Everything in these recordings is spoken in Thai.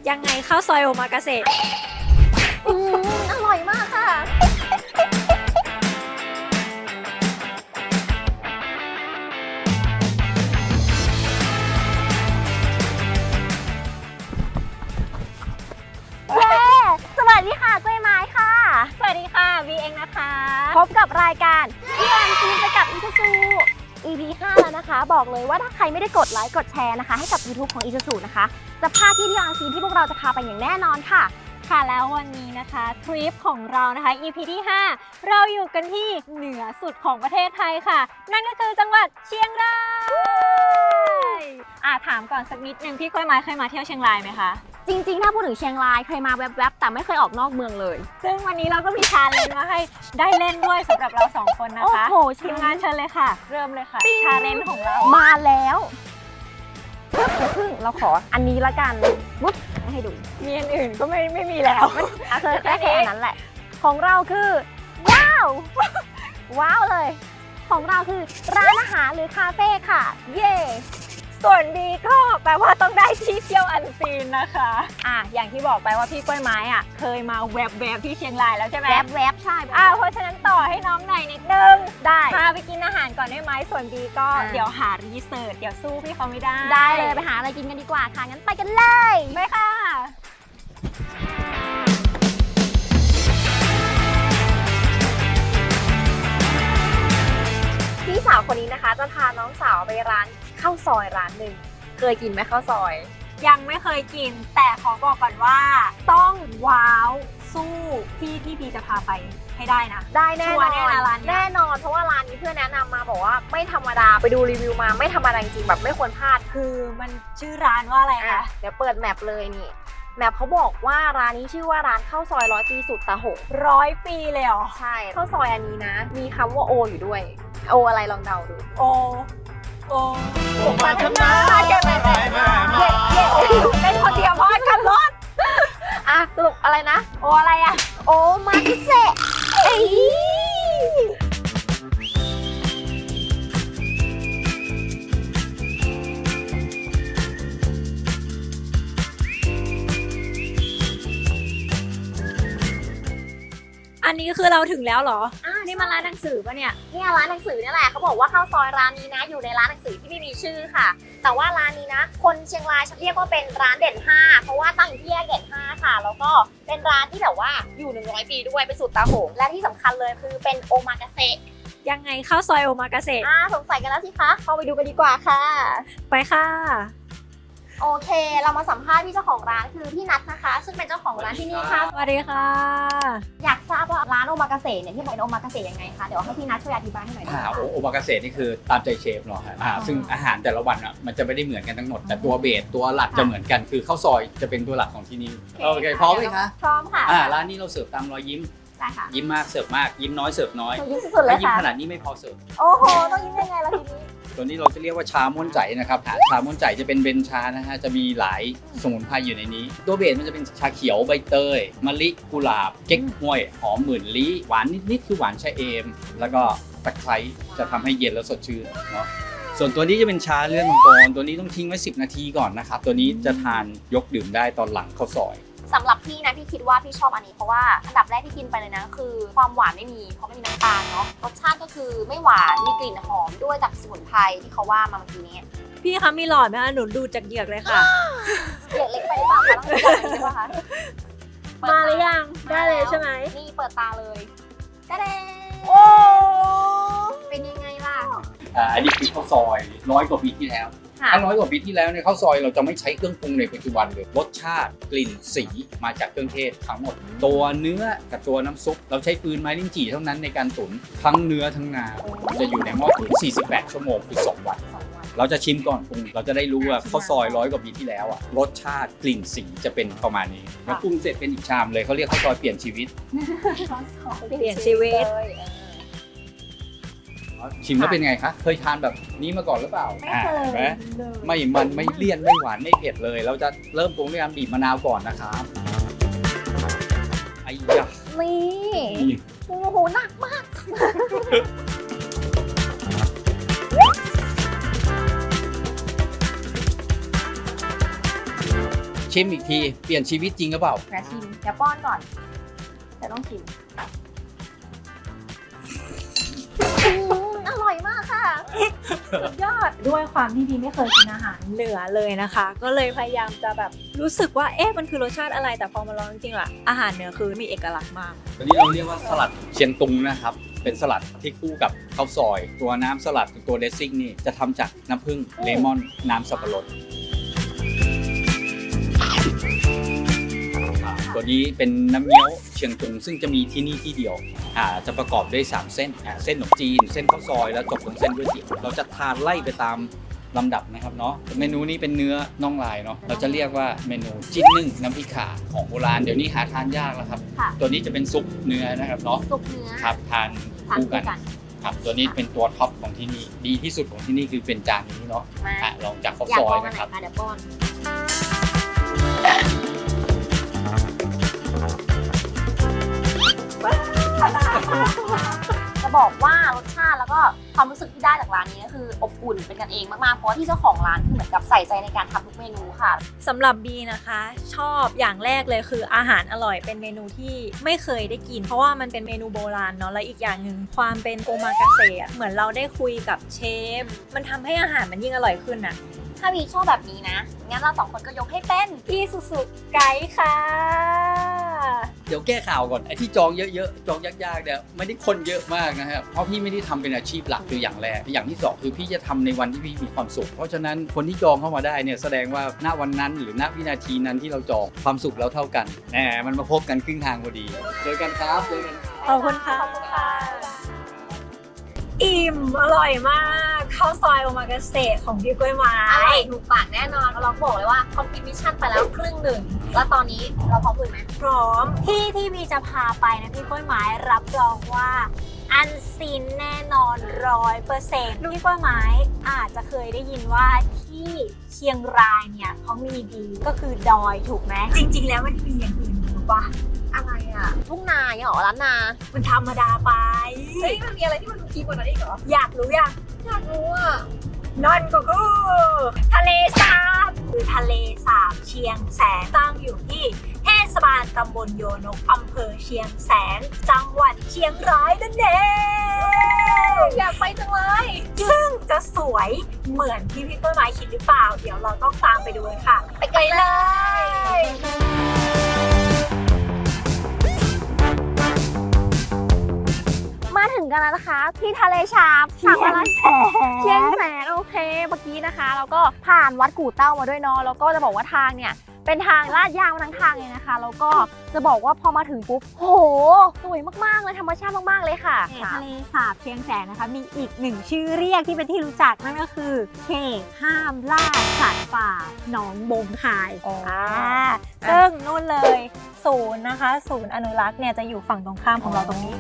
ยังไงข้าวซอยโอมากาเสะอร่อยมากค่ะเย้สวัสดีค่ะกล้วยไม้ค่ะสวัสดีค่ะวีเองนะคะพบกับรายการที่วันซีนไปกับอีซูซู EP 5 แล้วนะคะบอกเลยว่าถ้าใครไม่ได้กดไลค์กดแชร์นะคะให้กับ YouTube ของอีซูซูนะคะจะพลาดที่วันซีนที่พวกเราจะพาไปอย่างแน่นอนค่ะค่ะแล้ววันนี้นะคะทริปของเรานะคะ EP ที่ 5 เราอยู่กันที่เหนือสุดของประเทศไทยค่ะนั่นก็คือจังหวัดเชียงรายถามก่อนสักนิดนึงพี่กล้วยไม้เคยมาเที่ยวเชียงรายไหมคะจริงๆถ้าพูดถึงเชียงรายเคยมาแวบๆแต่ไม่เคยออกนอกเมืองเลยซึ่งวันนี้เราก็มีชาเลนจ์มาให้ได้เล่นด้วยสำหรับเรา2คนนะคะโอ้โหทีมงานเชิญเลยค่ะเริ่มเลยค่ะชาเลนจ์ของเรามาแล้วเพิ่งเราขออันนี้ละกันวุ๊บให้ดูมีอันอื่นก็ไม่มีแล้วเคยแค่อันนั้นแหละของเราคือว้าวว้าวเลยของเราคือร้านอาหารหรือคาเฟ่ค่ะเย่ส่วนดีก็แปลว่าต้องได้ที่เที่ยวอันซีนนะคะอย่างที่บอกไปว่าพี่กล้วยไม้เคยมาแวบที่เชียงรายแล้วใช่ไหมแวบใช่เพราะฉะนั้นต่อให้น้องหน่อยนิดนึงได้พาไปกินอาหารก่อนได้ไหมส่วนดีก็เดี๋ยวหารีเสิร์ชเดี๋ยวสู้พี่เขาไม่ได้ได้เลยไปหาอะไรกินกันดีกว่าค่ะงั้นไปกันเลยไปค่ะพี่สาวคนนี้นะคะจะพาน้องสาวไปร้านข้าวซอยร้านหนึ่งเคยกินไหมข้าวซอยยังไม่เคยกินแต่ขอบอกก่อนว่าต้องว้าวสู้ที่พี่จะพาไปให้ได้นะได้แน่นอนแน่นอนเพราะว่าร้านนี้เพื่อนแนะนำมาบอกว่าไม่ธรรมดาไปดูรีวิวมาไม่ธรรมดาจริงๆแบบไม่ควรพลาดคือมันชื่อร้านว่าอะไรคะเดี๋ยวเปิดแมปเลยนี่แมปเขาบอกว่าร้านนี้ชื่อว่าร้านข้าวซอย100 ปีสุดตะหง 100 ปีเลยเหรอใช่ข้าวซอยอันนี้นะมีคำว่าโออยู่ด้วยโออะไรลองเดาดูโอมาทำนาแกไปไหนมาเป็นคนเดียวพอกันรถสรุปอะไรนะโออะไรโอมาคิเซะอันนี้คือเราถึงแล้วเหรอนี่มันร้านหนังสือปะเนี่ยนี่ร้านหนังสือนี่แหละเขาบอกว่าข้าวซอยร้านนี้นะอยู่ในร้านหนังสือที่ไม่มีชื่อค่ะแต่ว่าร้านนี้นะคนเชียงรายเรียกว่าเป็นร้านเด่น5เพราะว่าตั้งอยู่ที่แยกเด่น5ค่ะแล้วก็เป็นร้านที่แบบว่าอยู่100 ปีด้วยเป็นสูตรตาโหงและที่สำคัญเลยคือเป็นโอมากาเสะยังไงข้าวซอยโอมากาเสะสงสัยกันแล้วสิคะเข้าไปดูกันดีกว่าค่ะไปค่ะโอเคเรามาสัมภาษณ์พี่เจ้าของร้านคือพี่นัทนะคะซึ่งเป็นเจ้าของร้านที่นี่ค่ะสวัสดีค่ะอยากทราบว่าร้านโอมากาเสะเนี่ยที่เป็นโอมากาเสะยังไงคะเดี๋ยวให้พี่นัทช่วยอธิบายให้หน่อยโอมากาเสะนี่คือตามใจเชฟเนาะซึ่งอาหารแต่ละวันมันจะไม่ได้เหมือนกันทั้งหมดแต่ตัวเบสตัวหลักจะเหมือนกันคือข้าวซอยจะเป็นตัวหลักของที่นี่โอเคพร้อมไหมคะพร้อมค่ะร้านนี้เราเสิร์ฟตามรอยยิ้มยิ้มมากเสิร์ฟมากยิ้มน้อยเสิร์ฟน้อยยิ้มสุดๆเลยค่ะยิ้มขนาดนี้ไม่พอเสิร์ฟโอ้โหต้องยิ้มยังไงล่ะทีนี้ตัวนี้เราจะเรียกว่าชาม่วนใจนะครับชาม่วนใจจะเป็นเบนชานะฮะจะมีหลายสมุนไพรอยู่ในนี้ตัวเบสมันจะเป็นชาเขียวใบเตยมะลิกุหลาบเก๊กฮวยหอมหมื่นลี้หวานนิดๆคือหวานชาเอมแล้วก็ตะไคร้จะทำให้เย็นแล้วสดชื่นเนาะส่วนตัวนี้จะเป็นชาเลือดมังกรตัวนี้ต้องทิ้งไว้10 นาทีก่อนนะครับตัวนี้จะทานยกดื่มได้ตอนหลังข้าวซอยสำหรับพี่นะพี่คิดว่าพี่ชอบอันนี้เพราะว่าอันดับแรกที่กินไปเลยนะคือความหวานไม่มีเพราะไม่มีน้ำตาลเนาะรสชาติก็คือไม่หวานมีกลิ่นหอมด้วยจากสมุนไพรที่เขาว่ามาเมื่อกี้นี้พี่คะมีหลอดไหมคะหนูดูจากเหยือกเลยค่ะเหยือกเล็กไปหรือเปล่าคะต้องใส่ใช่ไหมคะมาหรือยังได้เลยใช่ไหมนี่เปิดตาเลยกระเด็นโอ้เป็นยังไงล่ะอันนี้คือข้าวซอย100 กว่าปีที่แล้วถ้า100 กว่าปีที่แล้วเนี่ยข้าวซอยเราจะไม่ใช้เครื่องปรุงในปัจจุบันเลยรสชาติกลิ่นสีมาจากเครื่องเทศทั้งหมดตัวเนื้อกับตัวน้ำซุปเราใช้ฟืนไม้ลิ้นจี่เท่านั้นในการตุ๋นทั้งเนื้อทั้งงาจะอยู่ในหม้อตุ๋น48 ชั่วโมงคือ2 วันเราจะชิมก่อนปรุงเราจะได้รู้ว่าข้าวซอย100 กว่าปีที่แล้วรสชาติกลิ่นสีจะเป็นประมาณนี้แล้วปรุงเสร็จเป็นอีกชามเลยเขาเรียกข้าวซอยเปลี่ยนชีวิตเปลี่ยนชีวิตชิมแล้วเป็นไงคะเคยทานแบบนี้มาก่อนหรือเปล่าไม่เคยไม่มันไม่เลี่ยนไม่หวานไม่เผ็ดเลยเราจะเริ่มปรุงด้วยการบีบมะนาวก่อนนะครับไอ้ยะนี่โอ้โหหนักมากชิมอีกทีเปลี่ยนชีวิตจริงหรือเปล่าแม่ชิมเดี๋ยวป้อนก่อนแต่ต้องชิมอร่อยมากค่ะสุดยอดด้วยความที่บีไม่เคยกินอาหารเหนือเลยนะคะ ก็เลยพยายามจะแบบรู้สึกว่ามันคือรสชาติอะไรแต่พอมาลองจริงๆล่ะอาหารเหนือคือมีเอกลักษณ์มากตอนนี้เราเรียกว่าสลัดเชียงตุงนะครับ เป็นสลัดที่คู่กับข้าวซอย ตัวน้ำสลัดตัวเดซซิ่งนี่จะทำจากน้ำผึ้งเลมอนน้ำสับปะรดตัวนี้เป็นน้ำเงี้ยวเชียงตุงซึ่งจะมีที่นี่ที่เดียวจะประกอบด้วย3เส้นเส้นขนมจีนเส้นข้าวซอยแล้วจบลงเส้นก๋วยเตี๋ยวเราจะทานไล่ไปตามลำดับนะครับเนาะเมนูนี้เป็นเนื้อน่องลายเนาะเราจะเรียกว่าเมนูจิ้นนึ่งน้ำพริกข่าของโบราณเดี๋ยวนี้หาทานยากแล้วครับค่ะตัวนี้จะเป็นซุปเนื้อนะครับเนาะซุปเนื้อครับทานคู่กันครับตัวนี้เป็นตัวท็อปของที่นี่ดีที่สุดของที่นี่คือเป็นจานนี้เนาะมาลองจากข้าวอยากซอลยองอันนะไหนครับคะเดี๋ยวป้อน จะบอกว่ารสชาติแล้วก็ความรู้สึกที่ได้จากร้านนี้ก็คืออบอุ่นเป็นกันเองมากๆเพราะว่าที่เจ้าของร้านคือเหมือนกับใส่ใจในการทำทุกเมนูค่ะสำหรับบีนะคะ ชอบอย่างแรกเลยคืออาหารอร่อยเป็นเมนูที่ไม่เคยได้กิน เพราะว่ามันเป็นเมนูโบราณเนาะและอีกอย่างหนึ่งความเป็นโอมากาเสะอะเหมือนเราได้คุยกับเชฟมันทำให้อาหารมันยิ่งอร่อยขึ้นอะถ้าวีชอบแบบนี้นะ งั้นเรา2 คนก็ยกให้เป็นอีซูซูไกด์ค่ะเดี๋ยวแก้ข่าวก่อนไอ้ที่จองเยอะๆจองยากๆเนี่ยไม่ได้คนเยอะมากนะครับเพราะพี่ไม่ได้ทำเป็นอาชีพหลักคืออย่างแรกอย่างที่สองคือพี่จะทำในวันที่พี่มีความสุขเพราะฉะนั้นคนที่จองเข้ามาได้เนี่ยแสดงว่าณวันนั้นหรือณวินาทีนั้นที่เราจองความสุขเราเท่ากันแหมมันมาพบกันครึ่งทางพอดีเจอกันครับเจอกันขอบคุณค่ะขอบคุณค่ะอิ่มอร่อยมากข้าวซอยโอมากาเสะของพี่กล้วยไม้อร่อยถูกปากแน่นอนเราบอกเลยว่าคอมพลีทมิชชั่นไปแล้วครึ่งหนึ่งแล้วตอนนี้เราพร้อมคุยไหมพร้อมที่บีจะพาไปนะพี่กล้วยไม้รับรองว่าอันซีนแน่นอน 100%พี่กล้วยไม้อาจจะเคยได้ยินว่าที่เชียงรายเนี่ยเขามีดีก็คือดอยถูกไหมจริงๆแล้วมันมีอย่างอื่นรู้ปะอะไรอ่ะทุ่งนาเนี่ยหรอร้านนามันธรรมดาไปเฮ้ยมันมีอะไรที่มันดูพีกว่านั้นอีกเหรออยากรู้ยังอยากรู้อ่ะนั่นก็คือทะเลสาบคือทะเลสาบเชียงแสนตั้งอยู่ที่เทศบาลตำบลโยนกอำเภอเชียงแสนจังหวัดเชียงรายนั่นเองอยากไปจังเลยซึ่งจะสวยเหมือนที่พี่ต้นไม้คิดหรือเปล่า เดี๋ยวเราต้องตามไปดูกันค่ะ ไปเลยมาถึงกันแล้วนะคะ ที่ทะเลสาบเชียงแสนโอเคเมื่อกี้นะคะเราก็ผ่านวัดกู่เต้ามาด้วยเนาะแล้วก็จะบอกว่าทางเนี่ยเป็นทางลาดยางมาทั้งทางเลยนะคะแล้วก็จะบอกว่าพอมาถึงปุ๊บโหสวยมากๆเลยธรรมชาติมากๆเลยค่ะทะเลสาบเชียงแสนนะคะมีอีกหนึ่งชื่อเรียกที่เป็นที่รู้จักนั่นก็คือเขตห้ามล่าสัตว์ป่าหนองบงคายอ๋อซึ่งนู่นเลยศูนย์นะคะศูนย์อนุรักษ์เนี่ยจะอยู่ฝั่งตรงข้ามของเราตรงนี้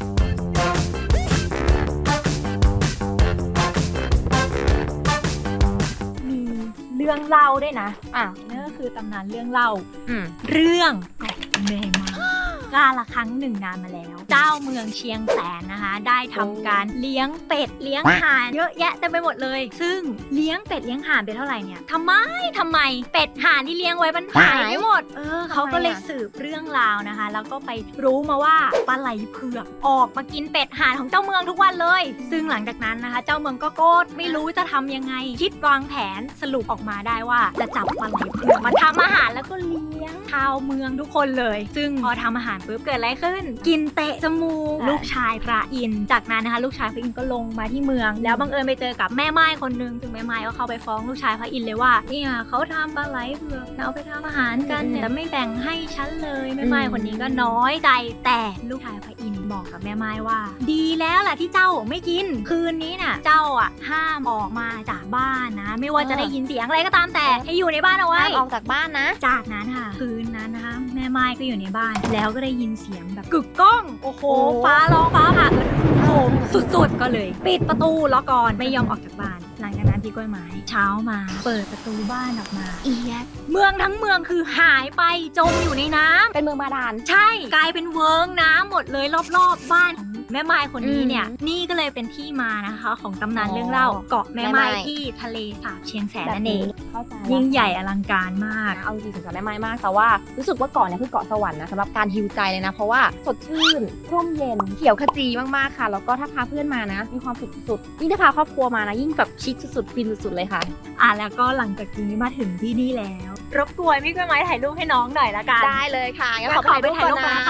มีเรื่องเล่าด้วยนะนั่นก็คือตำนานเรื่องเล่า เรื่องเป็ดแม่ไม้กาละครั้งหนึ่งนานมาแล้ว เจ้าเมืองเชียงแสนนะคะ ได้ทำการเลี้ยงเป็ดเลี้ยงห่านเยอะแยะเต็มไปหมดเลย ซึ่งเลี้ยงเป็ดเลี้ยงห่านไปเท่าไหร่เนี่ยทำไมเป็ดห่านที่เลี้ยงไว้มันหายไปหมดเขาก็เลยสืบเรื่องราวนะคะ แล้วก็ไปรู้มาว่าปลาไหลเผือกออกมากินเป็ดห่านของเจ้าเมืองทุกวันเลย ซึ่งหลังจากนั้นนะคะ เจ้าเมืองก็โกรธไม่รู้จะทำยังไง คิดวางแผนสรุปออกมาได้ว่าจะจับปลาไหลเผือกมาทำอาหารแล้วก็เลี้ยงชาวเมืองทุกคนเลย ซึ่งพอทำอาหารปุ๊บเกิดอะไรขึ้น กินเตะจมูกลูกชายพระอินทร์จากนั้นนะคะลูกชายพระอินทร์ก็ลงมาที่เมือง แล้วบังเอิญไปเจอกับแม่ไม้คนนึงซึ่งแม่ไม้ก็เข้าไปฟ้องลูกชายพระอินทร์เลยว่าเนี่ยเขาทำปลาไหลเผือกเอาไปทำอาหารกันเนี่ยแต่ไม่แบ่งให้ฉันเลยแม่ไม้คนนี้ก็น้อยใจแต่ลูกชายพระอินทร์บอกกับแม่ไม้ว่า ดีแล้วล่ะที่เจ้าไม่กินคืนนี้น่ะเจ้าห้ามออกมาจากบ้านนะไม่ว่าจะได้ยินเสียงอะไรก็ตามแต่ให้อยู่ในบ้านเอาไว้ห้ามออกจากบ้านนะจากนั้นค่ะคืนนั้นนะคะแม่ไม้ก็อยู่ในบ้านแล้วก็ได้ยินเสียงแบบกึกก้องโอ้โหฟ้าร้องฟ้าผ่าโอ้โหสุดๆก็เลยปิดประตูล็อกก่อนไม่ยอมออกจากบ้านหลังจากนั้นพี่กล้วยไม้เช้ามาเปิดประตูบ้านออกมาเอียดเมืองทั้งเมืองคือหายไปจมอยู่ในน้ำเป็นเมืองบาดาลใช่กลายเป็นเวิ้งน้ำหมดเลยรอบๆบ้านของแม่ไม้คนนี้เนี่ยนี่ก็เลยเป็นที่มานะคะของตำนานเรื่องเล่าเกาะแม่ไม้ที่ทะเลสาบเชียงแสนนั่นเองเข้าใจยิ่งใหญ่อลังการมากเอาจริงๆสงสารแม่ไม้มากแต่ว่ารู้สึกว่าเกาะเนี่ยคือเกาะสวรรค์นะสำหรับการฮิวใจเลยนะเพราะว่าสดชื่นร่มเย็นเขียวขจีมากๆค่ะแล้วก็ถ้าพาเพื่อนมานะมีความสุขสุดๆยิ่งถ้าพาครอบครัวมานะยิ่งแบบชิคสุดๆฟินสุดๆเลยค่ะแล้วก็หลังจากนี้มาถึงที่นี่แล้ว รบกวนพี่กล้วยไม้ถ่ายรูปให้น้องหน่อยละกันได้เลยค่ะงั้นขอไปถ่ายรูปก่อนนะคะ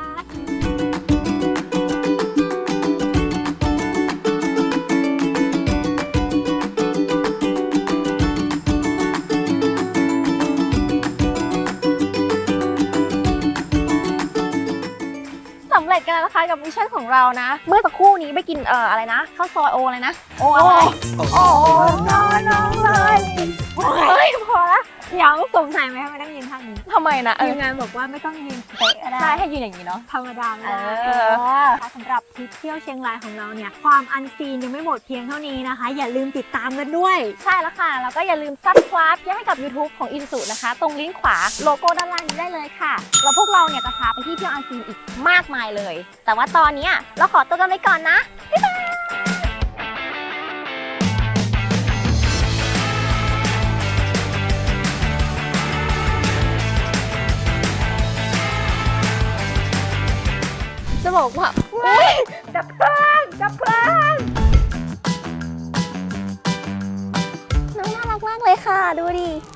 สำเร็จกันแล้วนะคะกับมิชชั่นของเรานะ เมื่อสักครู่นี้ไปกินอะไรนะข้าวซอยโออะไรนะโออะไรโอ้น้องเลยเฮ้ยพอละเดี๋ยวสงสัยไหมทำไมต้องยืนท่านี้ทำไมนะทีมงานบอกว่าไม่ต้องยืนเป๊ะก็ได้ใช่ให้ยืนอย่างนี้เนาะธรรมดาไม่ได้เออสำหรับทริปเที่ยวเชียงรายของเราเนี่ยความอันซีนยังไม่หมดเพียงเท่านี้นะคะ อย่าลืมติดตามกันด้วยใช่แล้วค่ะ แล้วก็อย่าลืม subscribe ให้กับ YouTube ของ Isuzu นะคะ ตรงลิงก์ขวาโลโก้ด้านล่างนี้ได้เลยค่ะ แล้วพวกเราเนี่ยจะพาไปที่เที่ยวอันซีนอีกมากมายเลย แต่ว่าตอนเนี้ยเราขอตัวกันไปก่อนนะ บ๊ายบายจะบอกว่าดับเพลิงน้องน่ารักมากเลยค่ะ ดูดิ